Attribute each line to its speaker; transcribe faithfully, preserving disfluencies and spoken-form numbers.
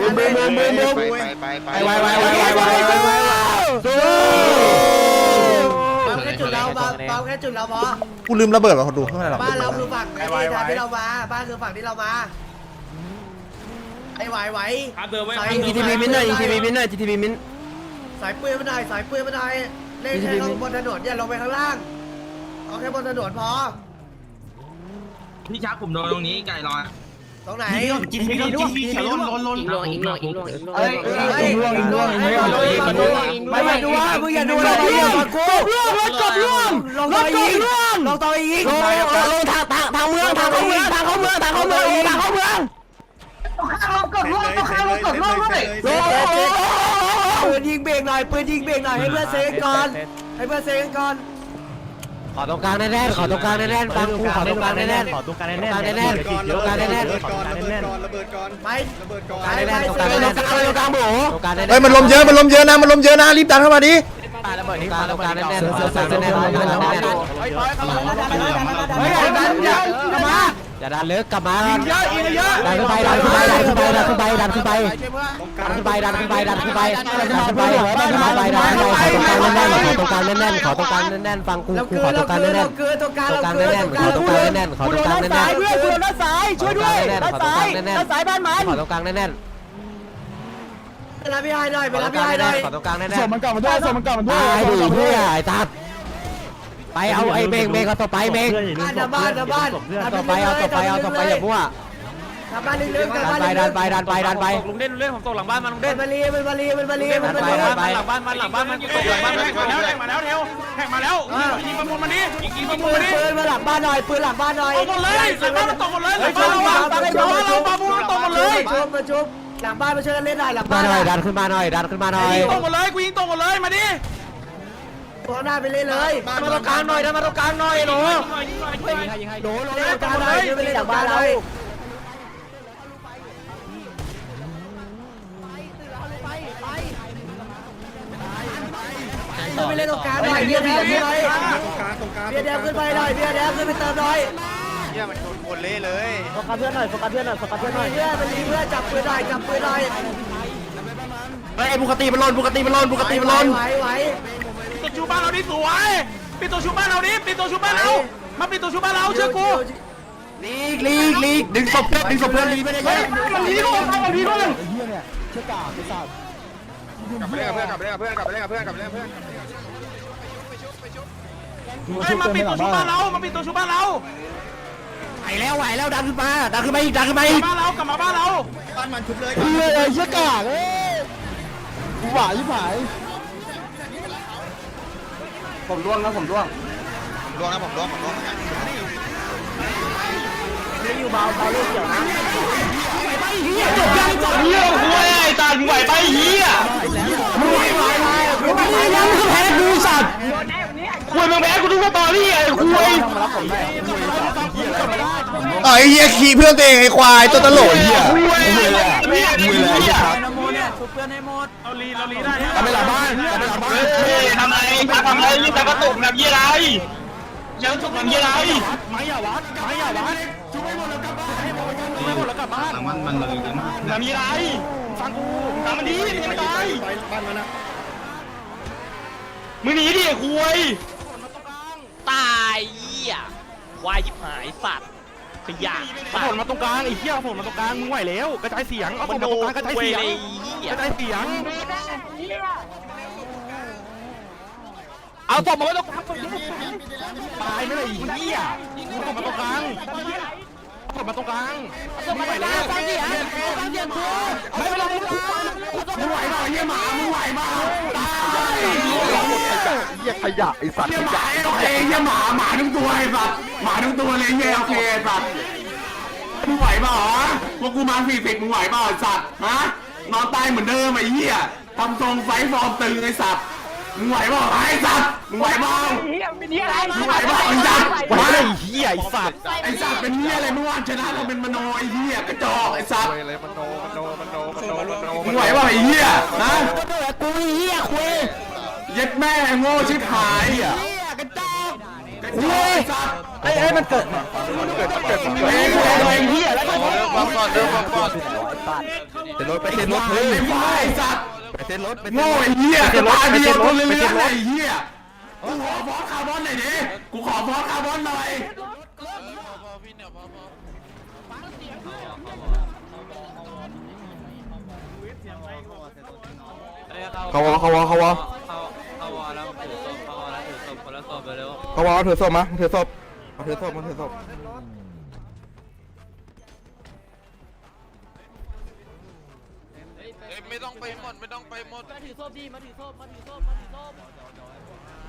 Speaker 1: บูมบูมบูมบูมบูม
Speaker 2: ไปไปไป
Speaker 1: ไวไวไวไวไวไวไวสู้
Speaker 3: ปั๊มแค่จุดเราปั๊มแค่จุดเราพอ
Speaker 4: กูลืมระเบิดว่ะคนดูข้างในหรอ
Speaker 3: บ้านเราคือฝั่งไอ้ที่ทางที่เรามาบ้านคือฝั่งที่เรามาไอ้ไหวไหว
Speaker 1: ยิงจีทีบีมินหน่อยยิงจีทีบีมินหน่อยจีทีบีมิน
Speaker 3: สายปืนไม่ได้สายปืนไม่ได้เล่นแค่บนถนนอย่าลงไปข้างล่างเอาแค่บนถนนพอ
Speaker 5: พี่ชักผมโดนตรงนี้ไก่ลอย
Speaker 3: ตรงไหน
Speaker 5: กินพี่กินพี่เขียวล้นล้นล้น
Speaker 6: อีกลวงอีกลวงอีกลวงอีกลวง
Speaker 3: เอ้ยล่วงล่วงไม่ไม่ดูว่ามึงอย่าดูอะไรอย่าฟังกูล่วงรถกบล่วงลงต่ออีกลงต่ออีก
Speaker 1: ลงลงทางทางทางเมืองทางเข้าเมืองทางเข้าเมืองทางเข้าเมืองทางเข้าเมือง
Speaker 3: กดล่วงต้องข้ามกดล่วงด้วยปืนยิงเบรกหน่อยปืนยิงเบรกหน่อยให้เพื่อนเซฟก่อนให้เพื่อนเซฟก่อน
Speaker 1: ขอตรงกลางแน่ๆขอตรงกลางแน่ๆฟังกูขอตรงกลางแน่ๆขอตรงกลางแน่ๆแน่ๆตรงกลางแน่ๆ
Speaker 2: ระเบิดก่อนระเบิดก่อนระเบิดก่อน
Speaker 3: ไป
Speaker 2: ระเบิดก่อน
Speaker 3: ไป
Speaker 1: แน่
Speaker 3: ไป
Speaker 1: ๆตรงกลางแน่ๆตรงกลางตรงกลางโบตรงกลางแน่ๆ
Speaker 4: เฮ้ยมันลมเยอะมันลมเยอะนะมันลมเยอะนะรีบดันเข้ามาดิ
Speaker 1: ตรงกลางตรงกลางแน่ๆตรงกลางแน่ๆตรงกลางแน่ๆ
Speaker 3: เฮ้ยดันอย่ากลับมา
Speaker 1: อย่าดันลึกกลับมาดันขึ้นไปดันขึ้นไปดันขึ้นไปดันขึ้นไปดันขึ้นไปดันขึ้นไปดันขึ้นไปดันขึ้นไปดันขึ้นไปดันขึ้นไปดันขึ้นไปดันขึ้นไปขอตรงกลางแน่นๆขอตรงกลางแน่นๆฟังกูกูขอตรงกลางแน่นๆ
Speaker 3: เกินตรงกลาง
Speaker 1: ตรงกลางแน่นๆขอตรงกลางแน่นๆขอตรงกลางแน่นๆ
Speaker 3: เพื่อนเพื่อนด้านซ้ายช่วยด้วยด้านซ้ายด้านซ้ายบ้านมัน
Speaker 1: ขอตรงกลางแน่น
Speaker 3: ไปรับพี่ไฮหน่อย
Speaker 1: ๆ
Speaker 3: ไปรับพี่ไฮหน่อย
Speaker 1: ขอตรงกลางแน่นๆ
Speaker 7: ส่งมันกลับมาด้วยส่งมันกลับมาด้วย
Speaker 1: ตายดิเพื่อไอ้ตัดไปเอาไอ้เมงเมงเอาต่อไปเมง
Speaker 3: บ้านบ้านบ้าน
Speaker 1: เอาต่อไปเอาต่อไปเอาต่อไปอย่ามั่ว
Speaker 3: กลับบ้านลึกๆกลับ
Speaker 1: ดัน
Speaker 3: บ้าน
Speaker 1: ไป
Speaker 3: ลึ
Speaker 1: ดัน
Speaker 3: ก
Speaker 1: ไปดันไปดันไป
Speaker 6: ลุงเด่นลุงเด่นผมตกหลังบ้านมาลุง
Speaker 3: ๆเป็
Speaker 6: เด่
Speaker 3: น
Speaker 6: น
Speaker 3: บาลีเป็นบาลีเป็นบาลีเป็นบาลี
Speaker 6: หลังบ้านมันหลังบ้านมันตกหลังบ้านมันมาแล้วแทงมาแล้วเทวแทงมาแล้วยิงประมูลมาดิยิงประมูล
Speaker 3: ปื
Speaker 6: มาน ดิ
Speaker 3: ปืนมาหลังบ้านหน่อยปืนหลังบ้านหน่อย
Speaker 6: ตกหมดเลยหลังบ้านมันตกหมดเลยหลังบ้านเราหลังบ้านเราประมูลตกหมดเลย
Speaker 3: ชุบมาชุบหลังบ้านมาช่วยกันเล่นหน่อยหลัง
Speaker 1: มา
Speaker 3: บ้าน
Speaker 1: หน่อยดันขึ้นมาหน่อยดันขึ้นมาหน่อย
Speaker 6: ยิงตกหมดเลยกูยิงตกหมดเลยมาดิ
Speaker 3: ตัวหน้าไปเล่นเลย
Speaker 6: มาตรงกลางหน่อยมาตรงกลางหน่อยหนู
Speaker 1: โดน
Speaker 3: เล่นการหน่อยไปเล่นหลังบ้านเลยไปเล่นตรงกลางหน่อยเบียร์แดงขึ้นไป
Speaker 2: ตรงกลางตรงกลาง
Speaker 3: เบียร์แดงขึ้นไปหน่อยเบียร์แดงขึ้นไปเติมหน่อย
Speaker 2: เนี่ยมันโดนคนเละเลย
Speaker 3: โฟกัสเพื่อนหน่อยโฟกัสเพื่อนหน่อยโฟกัสเพื่อนหน่อยเพื่อนมันรีเพื่อนจับปืนหน่อยจับปืนหน่อย
Speaker 1: ไอ้บุกตีมันลนบุกตีมันลนบุกตีมันลน
Speaker 3: ไหวไหว
Speaker 6: ปิดตัวชูบ้านเราดิสวยปิดตัวชูบ้านเราดิปิดตัวชูบ้านเรามาปิดตัวชูบ้านเราเชื่อกู
Speaker 1: ลีกลีกลีกดึงศพเพื่อนดึงศพเพื่อนลีไปเลยเฮ้ย
Speaker 6: มันลีด้วยมันลีด้วย
Speaker 7: ไอ้เหี้ยเนี่ยเชื่อกาไอ้สัตว์
Speaker 2: กลับไปเล่นกับเพื่อนกลับไปเล่นกับเพื่อนกลับไปเล่นกับเพื่อนกลับไปเล่นกับเพื่อน
Speaker 6: ไอ้มาปิดตัวชูบ้านเรามาปิดตัวชูบ้านเรา
Speaker 1: ไหวแล้วไหวแล้วดันขึ้นมาดันขึ้นมาอีกดันขึ้นมาอีก
Speaker 6: บ้านเรากลับมาบ้านเรา
Speaker 2: บ้านมันชุบเลย
Speaker 7: เหี้ยไอ้เชื่อกาเอ้ยกูหวายยิ่งหาย
Speaker 2: ผมร่วงนะผมร่วงร่วงนะผมร่วงผมร่วงเหมือนกัน
Speaker 3: ไม่อยู่เบาเบาเรื่องเกี่ยวนะ
Speaker 6: เฮียจบยังจบเฮียคุยไอ้ตาไหวไปเฮีย
Speaker 3: มึงไหวไหวไหวมึงไหวไหว
Speaker 1: ยังคือแพ้กูสัตว์
Speaker 6: คุยมึงแพ้กูทุกตอนนี่ไอ้คุย
Speaker 4: ไอ้เหี้ยขี่เพื่อนตัวเองไอ้ควายตัวตลกเหี้ย
Speaker 6: คุยเฮีย
Speaker 7: มืออะไรเหี้ยครับ
Speaker 6: เราลีเราลีได้
Speaker 7: กลับไปหลังบ้านกลับไปหลังบ้าน
Speaker 6: ทำไมทำไมยิ่งแต่กระตุกแบบยี่ไรยังตุกแบบยี่ไร
Speaker 7: ไม่อย่าวัดไม่อย่าวัดช่วยหมดแล้วกลับบ้านช่วยหมดแล้วกลับบ้าน
Speaker 6: มันมันเลยกันแบบยี่ไรฟังกูทำมันดีมันไม่ตาย
Speaker 2: ไปบ้านมันนะ
Speaker 6: มึงหนีดิคุย
Speaker 8: ตายเหี้ยควายยิบหายสัตว์ขยะ
Speaker 6: ผลมาตรงกลางไอ้เหี้ยผลมาตรงกลางมึงไหวแล้วกระจายเสียงเอาผลมาตรงกลางกระจายเสียงกระจายเสียงเอาศพมาไว้ตรงกลางตายไม่ได้อีเหี้ยเอาศพมาตรงกลางเอาศพมาตรงกลางมึงไหวแล้วไม่เป็นไรมึงไหวเปล่าเหี้ยหมามึงไหวเปล่าตาย
Speaker 7: เหี้ยขยะไอ้สัตว์
Speaker 1: เหี้ยหมาโอเคเหี้ยหมาหมาทั้งตัวไอ้สัตว์หมาทั้งตัวเลยเหี้ยโอเคไอ้สัตว์มึงไหวเปล่าฮะพวกกูมาสี่สิบมึงไหวเปล่าไอ้สัตว์ฮะนอนตายเหมือนเดิมไอ้เหี้ยทำทรงไฟฟอร์มตึงไอ้สัตว์มึงไหวเปล่าไอ้สัตว์มึงไหวเปล่ามึงไหวเปล่าไอ้สัตว์ไหวไอ้เหี้ยไอ้สัตว์ไอ้สัตว์เป็นเหี้ยอะไรเมื่อวานชนะเราเป็นมโนไอ้เหี้ยกระจอกไอ้สัตว์
Speaker 2: เลยมันโนมันโนมันโนมันโนมันโน
Speaker 1: มึงไหวเปล่าไอ้เหี้ยฮะกูเหี้ยคุยเย็ดแม่โง่ชิบหายอ่ะกระจอกคุยสัตว์
Speaker 3: ไอ้ไอ้มันเกิด
Speaker 6: เกิดเกิด
Speaker 1: เฮ้ยเฮ้ยเฮียแล้วก็
Speaker 2: ปั๊มก่อนเดิมปั๊มก่อน
Speaker 6: เซ็นรถไปเซ็นรถเฮ้ย
Speaker 1: ไอ้ควายสัตว์
Speaker 6: ไปเซ็นรถไป
Speaker 1: โง่ไอ้เหี้ยสตาร์เดียวตัวเลื้อยๆไอ้เหี้ยกูขอฟอสคาร์บอนหน่อยดิกูขอฟอสคาร์บอนหน่อย
Speaker 6: เขาวอเขาวอเขาวอ
Speaker 5: เข้าวอแล้วถือศพเข้าวอแล้วถือศพคนละศพไปเร็ว
Speaker 6: เขาวอถือศพมาถือศพมาถือศพมาถือศพ
Speaker 2: ไม่ต้องไปหมดไม่ต้องไปหมด
Speaker 8: มาถือศพดีมาถือศพมาถือศพมาถือศพ